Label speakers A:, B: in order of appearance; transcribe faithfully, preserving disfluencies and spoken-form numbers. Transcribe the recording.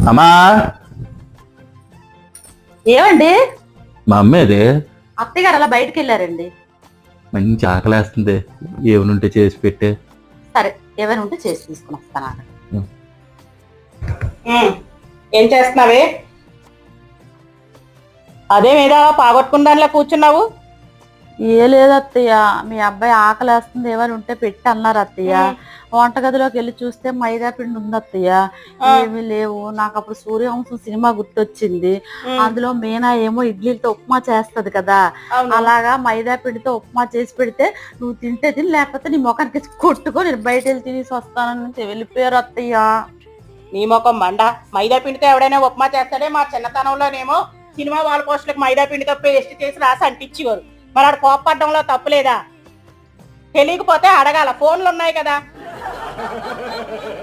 A: అమ్మా
B: ఏమండి?
A: మా అమ్మేది
B: అత్తయ్య గారు అలా బయటకు వెళ్ళారండి.
A: మంచి ఆకలేస్తుంది, ఏమనుంటే చేసి పెట్టే.
B: సరే, ఏమైనా ఉంటే చేసి తీసుకుని వస్తాను.
C: ఏం చేస్తున్నావే? అదే మీద పాగొట్టుకున్న దానిలో కూర్చున్నావు.
B: ఏ లేదు అత్తయ్య, మీ అబ్బాయి ఆకలేస్తుంది ఏమైనా ఉంటే పెట్టి అన్నారు అత్తయ్య. వంటగదిలోకి వెళ్ళి చూస్తే మైదా పిండి ఉంది అత్తయ్య, ఏమీ లేవు. నాకు అప్పుడు సూర్యవంశం సినిమా గుర్తొచ్చింది. అందులో మీనా ఏమో ఇడ్లీలతో ఉప్మా చేస్తది కదా, అలాగా మైదా పిండితో ఉప్మా చేసి పెడితే నువ్వు తింటే తిని, లేకపోతే నీ ముఖానికి కొట్టుకో, నేను బయట వెళ్ళి తినేసి వస్తానని వెళ్ళిపోయారు అత్తయ్య.
C: నీ ముఖం మండ, మైదా పిండితో ఎవడైనా ఉప్మా చేస్తాడే? మా చిన్నతనంలోనేమో సినిమా వాళ్ళ పోస్టులకు మైదా పిండితో పేస్ట్ చేసి రాసి అంటించేవారు. మరి ఆడ కోప్పడ్డంలో తప్పులేదా? తెలియకపోతే అడగాల, ఫోన్లు ఉన్నాయి కదా.